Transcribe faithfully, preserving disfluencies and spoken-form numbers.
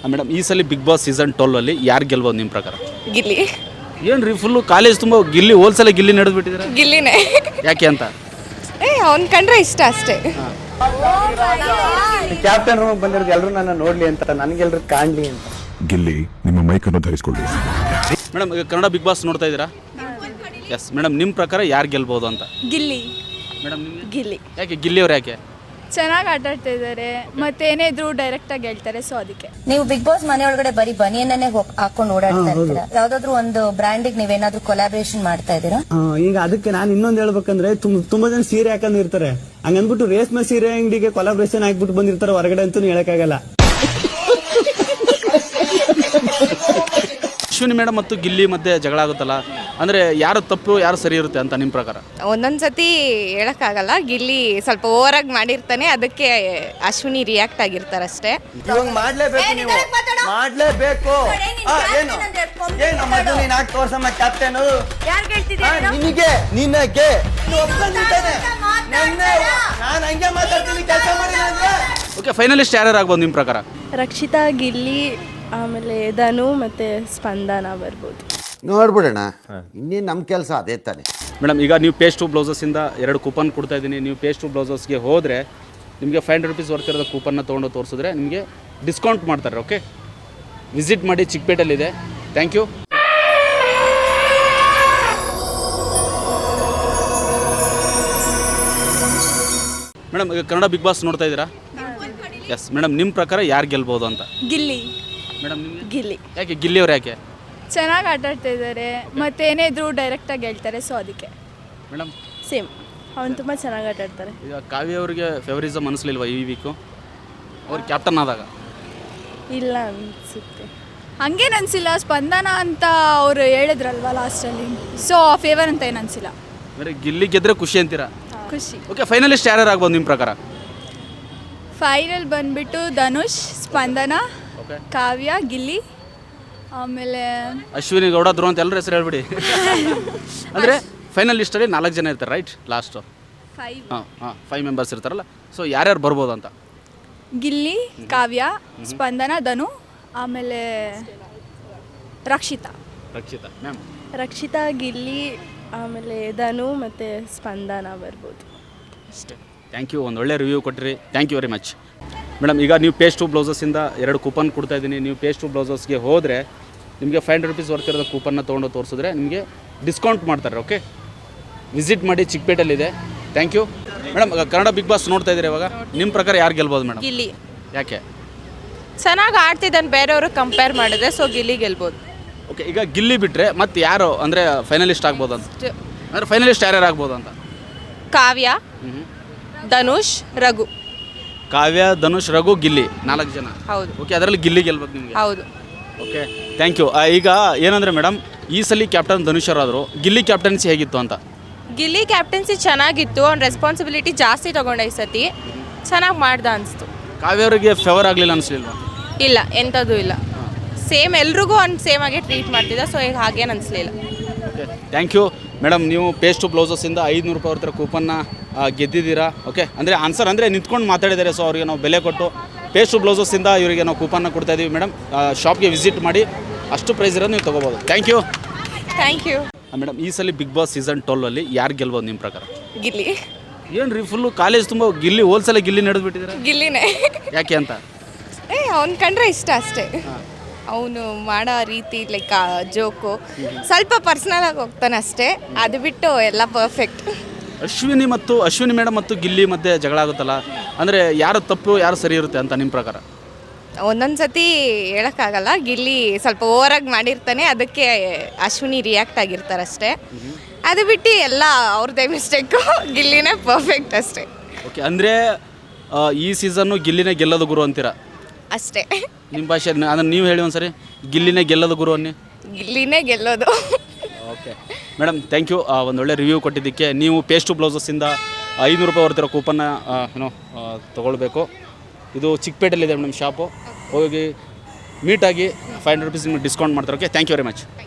Madam ಈ ಸಲ big boss season twelve ಅಲ್ಲಿ ಯಾರು ಗೆಲ್ಬೋದು ನಿಮ್ಮ ಪ್ರಕಾರ? ಗಿಲ್ಲಿ ಏನು ರೀ ಫುಲ್ಲು ಕಾಲೇಜ್ ತುಂಬ ಗಿಲ್ಲಿ ಹೋಲ್ಸಲ ಗಿಲ್ಲಿ ನಡೆದು ಬಿಟ್ಟಿದ್ದಾರೆ, ಗಿಲ್ಲಿನೇ ಯಾಕೆ ಅಂತ? ಏ ಅವ್ನ್ ಕಂಡ್ರೆ ಇಷ್ಟ ಅಷ್ಟೇ. ಕ್ಯಾಪ್ಟನ್ ರೂಮ್ ಬಂದಿರೋದು ಎಲ್ಲರೂ ನನ್ನ ನೋಡ್ಲಿ ಅಂತ, ನನಗೆಲ್ಲರೂ ಕಾಣ್ಲಿ ಅಂತ. ಗಿಲ್ಲಿ ನಿಮ್ಮ ಮೈಕನ್ನು ಧರಿಸಿಕೊಳ್ಳಿ. ಮೇಡಮ್ ಈಗ ಕನ್ನಡ ಬಿಗ್ ಬಾಸ್ ನೋಡ್ತಾ ಇದ್ದೀರಾ? ಎಸ್ ಮೇಡಮ್, ನಿಮ್ಮ ಪ್ರಕಾರ ಯಾರು ಗೆಲ್ಬೋದು ಅಂತ? ಗಿಲ್ಲಿ ಮೇಡಮ್ ನಿಮಗೆ ಗಿಲ್ಲಿ ಯಾಕೆ ಗಿಲ್ಲಿ ಅವ್ರು ಯಾಕೆ? ಚೆನ್ನಾಗಿ ಆಟ ಆಡ್ತಾ ಇದ್ದಾರೆ, ಮತ್ತೆ ಏನೇ ಇದ್ರು ಡೈರೆಕ್ಟ್ ಆಗಿ ಹೇಳ್ತಾರೆ, ಸೊ ಅದಕ್ಕೆ. ನೀವು ಬಿಗ್ ಬಾಸ್ ಮನೆ ಒಳಗಡೆ ಬರೀ ಬನಿಯನ್ನೇ ಹಾಕೊಂಡು ಓಡಾಡ್ತಾ ಇರ್ತೀರಾ, ಯಾವ್ದಾದ್ರು ಒಂದು ಬ್ರ್ಯಾಂಡಿಗೆ ನೀವೇನಾದ್ರೂ ಕೊಲಾಬ್ರೇಷನ್ ಮಾಡ್ತಾ ಇದ್ದೀರಾ? ಈಗ ಅದಕ್ಕೆ ನಾನು ಇನ್ನೊಂದು ಹೇಳ್ಬೇಕಂದ್ರೆ ತುಂಬ ತುಂಬಾ ಜನ ಸೀರೆ ಹಾಕೊಂಡಿರ್ತಾರೆ, ಹಂಗನ್ಬಿಟ್ಟು ರೇಷ್ಮೆ ಸೀರೆ ಅಂಗಡಿಗೆ ಕೊಲಾಬ್ರೇಷನ್ ಹಾಕ್ಬಿಟ್ಟು ಬಂದಿರ್ತಾರೆ ಹೊರಗಡೆ ಅಂತೂ ಹೇಳಕ್ಕಾಗಲ್ಲ. ಅಶ್ವಿನಿ ಮೇಡಮ್ ಮತ್ತು ಗಿಲ್ಲಿ ಮಧ್ಯೆ ಜಗಳ ಆಗುತ್ತಲ್ಲ, ಅಂದರೆ ಯಾರು ತಪ್ಪು ಯಾರು ಸರಿ ಇರುತ್ತೆ ಅಂತ ನಿಮ್ಮ ಪ್ರಕಾರ? ಒಂದೊಂದ್ಸತಿ ಹೇಳಕ್ಕಾಗಲ್ಲ, ಗಿಲ್ಲಿ ಸ್ವಲ್ಪ ಓವರ್ ಆಗಿ ಮಾಡಿರ್ತಾನೆ, ಅದಕ್ಕೆ ಅಶ್ವಿನಿ ರಿಯಾಕ್ಟ್ ಆಗಿರ್ತಾರಷ್ಟೇ. ಇವಾಗ ಮಾಡ್ಲೇಬೇಕು, ನೀವು ಮಾಡ್ಲೇಬೇಕು. ಆ, ಏನು ಏನು ಮೊದಲು ನೀನ್ ಹಾಕಿ ತೋರ್ಸಮ್ಮ ಕ್ಯಾಪ್ಟನ್ ನಿನಗೆ ನಿನಗೆ ನಾನು ಹಂಗೆ ಮಾತಾಡ್ತೀನಿ, ಕೆಲಸ ಮಾಡಿಲ್ಲ ಅಂದ್ರೆ. ಓಕೆ, ಫೈನಲಿಸ್ಟ್ ಯಾರು ಆಗ್ಬೋದು ನಿಮ್ಮ ಪ್ರಕಾರ? ರಕ್ಷಿತಾ, ಗಿಲ್ಲಿ, ಆಮೇಲೆ ಧನು ಮತ್ತು ಸ್ಪಂದನ ಬರ್ಬೋದು. ನೋಡ್ಬಿಡೋಣ, ಇನ್ನೇನು ನಮ್ಮ ಕೆಲಸ ಅದೇ ತಾನೆ. ಮೇಡಮ್ ಈಗ ನೀವು ಪೇಸ್ಟ್ ಟು ಬ್ಲೌಸಸ್ಸಿಂದ ಎರಡು ಕೂಪನ್ ಕೊಡ್ತಾ ಇದ್ದೀನಿ. ನೀವು ಪೇಸ್ಟ್ ಟು ಬ್ಲೌಸಸ್ಗೆ ಹೋದರೆ ನಿಮಗೆ ಫೈವ್ ಹಂಡ್ರೆಡ್ ರುಪೀಸ್ ವರ್ತ್ ಇರೋದು ಕೂಪನ್ನ ತೊಗೊಂಡು ತೋರಿಸಿದ್ರೆ ನಿಮಗೆ ಡಿಸ್ಕೌಂಟ್ ಮಾಡ್ತಾರೆ. ಓಕೆ, ವಿಸಿಟ್ ಮಾಡಿ, ಚಿಕ್ಕಪೇಟೆಯಲ್ಲಿದೆ. Thank you. ಮೇಡಮ್ ಈಗ ಕನ್ನಡ ಬಿಗ್ ಬಾಸ್ ನೋಡ್ತಾ ಇದ್ದೀರಾ? ಎಸ್ ಮೇಡಮ್, ನಿಮ್ಮ ಪ್ರಕಾರ ಯಾರು ಗೆಲ್ಬೋದು ಅಂತ? ಗಿಲ್ಲಿ ಮೇಡಮ್ ನಿಮಗೆ ಗಿಲ್ಲಿ ಯಾಕೆ ಗಿಲ್ಲಿ ಅವ್ರು ಯಾಕೆ? ಚೆನ್ನಾಗಿ ಆಟ ಆಡ್ತಾ ಇದ್ದಾರೆ, ಮತ್ತೆ ಏನೇ ಇದ್ರು ಡೈರೆಕ್ಟ್ ಆಗಿ ಹೇಳ್ತಾರೆ, ಸೊ ಅದಕ್ಕೆ. ಮೇಡಮ್ ಸೇಮ್, ಅವ್ನು ತುಂಬ ಚೆನ್ನಾಗಿ ಆಟ ಆಡ್ತಾರೆ. ಈಗ ಕಾವ್ಯ ಅವರಿಗೆ ಫೇವರಿಸಮ್ ಅನಿಸ್ಲಿಲ್ವಾ ಈ ವೀಕು ಅವ್ರು ಕ್ಯಾಪ್ಟನ್ ಆದಾಗ? ಇಲ್ಲ ಅನಿಸುತ್ತೆ. ಹಂಗೇನು ಅನಿಸಿಲ್ಲ, ಸ್ಪಂದನ ಅಂತ ಅವರು ಹೇಳಿದ್ರಲ್ವ ಲಾಸ್ಟಲ್ಲಿ, ಸೊ ಫೇವರ್ ಅಂತ ಏನು ಅನಿಸಿಲ್ಲ. ಅಂದರೆ ಗಿಲ್ಲಿ ಗೆದ್ರೆ ಖುಷಿ ಅಂತೀರಾ? ಖುಷಿ. ಓಕೆ, ಫೈನಲಿಸ್ಟ್ ಯಾರು ಆಗ್ಬೋದು ನಿಮ್ಮ ಪ್ರಕಾರ? ಫೈನಲ್ ಬಂದ್ಬಿಟ್ಟು ಧನುಷ್, ಸ್ಪಂದನ, ಓಕೆ, ಕಾವ್ಯ, ಗಿಲ್ಲಿ, ಆಮೇಲೆ ಅಶ್ವಿನಿ ಗೌಡ, ಧ್ರುವ ಅಂತ ಎಲ್ಲರ ಹೆಸರು ಹೇಳ್ಬಿಡಿ. ಅಂದರೆ ಫೈನಲ್ ಲಿಸ್ಟಲ್ಲಿ ನಾಲ್ಕು ಜನ ಇರ್ತಾರೆ, ರೈಟ್? ಲಾಸ್ಟು ಫೈವ್ ಹಾಂ ಹಾಂ ಫೈವ್ ಮೆಂಬರ್ಸ್ ಇರ್ತಾರಲ್ಲ, ಸೊ ಯಾರ್ಯಾರು ಬರ್ಬೋದು ಅಂತ? ಗಿಲ್ಲಿ, ಕಾವ್ಯ, ಸ್ಪಂದನ, ಧನು, ಆಮೇಲೆ ರಕ್ಷಿತಾ. ರಕ್ಷಿತಾ ಮ್ಯಾಮ್. ರಕ್ಷಿತಾ, ಗಿಲ್ಲಿ, ಆಮೇಲೆ ಧನು ಮತ್ತು ಸ್ಪಂದನ ಬರ್ಬೋದು. ಅಷ್ಟೇ. ಥ್ಯಾಂಕ್ ಯು, ಒಂದು ಒಳ್ಳೆ ರಿವ್ಯೂ ಕೊಟ್ಟಿರಿ. Thank you very much. Madam ಈಗ ನೀವು ಪೇಸ್ಟ್ ಟು ಬ್ಲೌಸಸ್ಸಿಂದ ಎರಡು ಕೂಪನ್ ಕೊಡ್ತಾ ಇದ್ದೀನಿ. ನೀವು ಪೇಸ್ಟ್ ಟು ಬ್ಲೌಸಸ್ಗೆ ಹೋದರೆ ನಿಮಗೆ ಫೈವ್ ಹಂಡ್ರೆಡ್ ರುಪೀಸ್ ವರ್ತ್ ಇರೋದು ಕೂಪನ್ನ ತೊಗೊಂಡು ತೋರಿಸಿದ್ರೆ ನಿಮಗೆ ಡಿಸ್ಕೌಂಟ್ ಮಾಡ್ತಾರೆ. ಓಕೆ, ವಿಸಿಟ್ ಮಾಡಿ, ಚಿಕ್ಕಪೇಟೆಯಲ್ಲಿದೆ. Thank you. Madam Kannada Bigg Boss ನೋಡ್ತಾ ಇದ್ದೀರಿ ಇವಾಗ, ನಿಮ್ಮ ಪ್ರಕಾರ ಯಾರು ಗೆಲ್ಬೋದು ಮೇಡಮ್? ಗಿಲ್ಲಿ ಯಾಕೆ? ಚೆನ್ನಾಗಿ ಆಡ್ತಿದ್ದಾನೆ ಬೇರೆಯವರು ಕಂಪೇರ್ ಮಾಡಿದ್ರೆ, ಸೊ ಗಿಲ್ಲಿ ಗೆಲ್ಬೋದು. ಓಕೆ, ಈಗ ಗಿಲ್ಲಿ ಬಿಟ್ಟರೆ ಮತ್ತೆ ಯಾರು ಅಂದರೆ ಫೈನಲಿಸ್ಟ್ ಆಗ್ಬೋದು ಅಂತ? ಅಂದರೆ ಫೈನಲಿಸ್ಟ್ ಯಾರ್ಯಾರು ಆಗ್ಬೋದು ಅಂತ? ಕಾವ್ಯ, ಧನುಷ್, ರಘು. ಕಾವ್ಯ, ಧನುಷ್, ರಘು, ಗಿಲ್ಲಿ, ನಾಲ್ಕು ಜನ. ಹೌದು. ಓಕೆ, ಅದರಲ್ಲಿ ಗಿಲ್ಲಿ ಗೆಲ್ಬೇಕು ನಿಮಗೆ? ಹೌದು. Okay, thank you. ಈಗ ಏನಂದರೆ ಮೇಡಮ್, ಈ ಸಲ ಕ್ಯಾಪ್ಟನ್ ಧನುಷರಾದರು, ಗಿಲ್ಲಿ ಕ್ಯಾಪ್ಟನ್ಸಿ ಹೇಗಿತ್ತು ಅಂತ? ಗಿಲ್ಲಿ ಕ್ಯಾಪ್ಟನ್ಸಿ ಚೆನ್ನಾಗಿತ್ತು, ಅವ್ನ ರೆಸ್ಪಾನ್ಸಿಬಿಲಿಟಿ ಜಾಸ್ತಿ ತೊಗೊಂಡ ಈ ಸತಿ, ಚೆನ್ನಾಗಿ ಮಾಡ್ದ ಅನಿಸ್ತು. ಕಾವ್ಯ ಅವರಿಗೆ ಫೇವರ್ ಆಗಲಿಲ್ಲ ಅನಿಸ್ಲಿಲ್ವಾ? ಇಲ್ಲ, ಎಂಥದ್ದು ಇಲ್ಲ, ಸೇಮ್ ಎಲ್ರಿಗೂ ಅವ್ನು ಸೇಮ್ ಆಗಿ ಟ್ರೀಟ್ ಮಾಡ್ತಿದ್ದ, ಸೊ ಈಗ ಹಾಗೇನು ಅನಿಸ್ಲಿಲ್ಲ. Okay, thank you. ಮೇಡಮ್ ನೀವು ಪೇಸ್ಟು ಬ್ಲೌಸಸ್ಸಿಂದ ಐದುನೂರು ರೂಪಾಯಿ ಅವ್ರ ಕೂಪನ್ನ ಗೆದ್ದಿದ್ದೀರಾ. ಓಕೆ, ಅಂದರೆ ಆನ್ಸರ್ ಅಂದರೆ ನಿಂತ್ಕೊಂಡು ಮಾತಾಡಿದ್ದಾರೆ, ಸೊ ಅವರಿಗೆ ನಾವು ಬೆಲೆ ಕೊಟ್ಟು ಪೇಸ್ಟು ಬ್ಲೌಸಸ್ಸಿಂದ ಇವರಿಗೆ ನಾವು ಕೂಪನ್ನ ಕೊಡ್ತಾ ಇದ್ದೀವಿ. ಮೇಡಮ್ ಶಾಪ್ಗೆ ವಿಸಿಟ್ ಮಾಡಿ, ಅಷ್ಟು ಪ್ರೈಸ್ ಇರೋದು ನೀವು ತೊಗೋಬೋದು. Thank you. Thank you. Madam ಈ ಸಲ ಬಿಗ್ ಬಾಸ್ ಸೀಸನ್ ಟ್ವೆಲ್ ಅಲ್ಲಿ ಯಾರು ಗೆಲ್ಬೋದು ನಿಮ್ಮ ಪ್ರಕಾರ? ಗಿಲ್ಲಿ ಏನು ರೀ ಫುಲ್ಲು ಕಾಲೇಜ್ ತುಂಬ ಗಿಲ್ಲಿ ಹೋಲ್ಸಲ ಗಿಲ್ಲಿ ನಡೆದು ಬಿಟ್ಟಿದ್ದಾರೆ, ಗಿಲ್ಲಿನೇ ಯಾಕೆ ಅಂತ? ಏ ಅವ್ನ ಕಂಡ್ರೆ ಇಷ್ಟ ಅಷ್ಟೇ. ಅವನು ಮಾಡೋ ರೀತಿ ಲೈಕ್ ಜೋಕು ಸ್ವಲ್ಪ ಪರ್ಸ್ನಲ್ ಆಗಿ ಹೋಗ್ತಾನೆ ಅಷ್ಟೇ, ಅದು ಬಿಟ್ಟು ಎಲ್ಲ ಪರ್ಫೆಕ್ಟ್. ಅಶ್ವಿನಿ ಮತ್ತು ಅಶ್ವಿನಿ ಮೇಡಮ್ ಮತ್ತು ಗಿಲ್ಲಿ ಮಧ್ಯೆ ಜಗಳ ಆಗುತ್ತಲ್ಲ, ಅಂದರೆ ಯಾರು ತಪ್ಪು ಯಾರು ಸರಿ ಇರುತ್ತೆ ಅಂತ ನಿಮ್ಮ ಪ್ರಕಾರ? ಒಂದೊಂದ್ಸತಿ ಹೇಳಕ್ಕಾಗಲ್ಲ, ಗಿಲ್ಲಿ ಸ್ವಲ್ಪ ಓವರ್ ಆಗಿ ಮಾಡಿರ್ತಾನೆ, ಅದಕ್ಕೆ ಅಶ್ವಿನಿ ರಿಯಾಕ್ಟ್ ಆಗಿರ್ತಾರಷ್ಟೇ, ಅದು ಬಿಟ್ಟು ಎಲ್ಲ ಅವ್ರದ್ದೇ ಮಿಸ್ಟೇಕು, ಗಿಲ್ಲಿನೇ ಪರ್ಫೆಕ್ಟ್ ಅಷ್ಟೇ. ಓಕೆ, ಅಂದರೆ ಈ ಸೀಸನ್ನು ಗಿಲ್ಲಿನೇ ಗೆಲ್ಲೋದು ಗುರು ಅಂತೀರಾ? ಅಷ್ಟೇ. ನಿಮ್ಮ ಭಾಷೆ ಅದನ್ನು ನೀವು ಹೇಳಿ ಒಂದು ಸರಿ, ಗಿಲ್ಲಿನೇ ಗೆಲ್ಲೋದು ಗುರು ಅನ್ನಿ. ಗಿಲ್ಲಿನೇ ಗೆಲ್ಲೋದು. Okay madam, thank you. ಒಂದು ಒಳ್ಳೆ ರಿವ್ಯೂ ಕೊಟ್ಟಿದ್ದಕ್ಕೆ. ನೀವು ಪೇಸ್ಟು ಬ್ಲೌಸಸ್ಸಿಂದ ಐನೂರು ರೂಪಾಯಿ ಬರ್ತಿರೋ ಕೂಪನ್ನ ಏನೋ ತೊಗೊಳ್ಬೇಕು. ಇದು ಚಿಕ್ಕಪೇಟೆಯಲ್ಲಿದೆ ಮೇಡಮ್ ಶಾಪು, ಹೋಗಿ ಮೀಟಾಗಿ ಫೈವ್ ಹಂಡ್ರೆಡ್ ರುಪೀಸ್ ನಿಮಗೆ ಡಿಸ್ಕೌಂಟ್ ಮಾಡ್ತಾರೆ. Okay, thank you very much.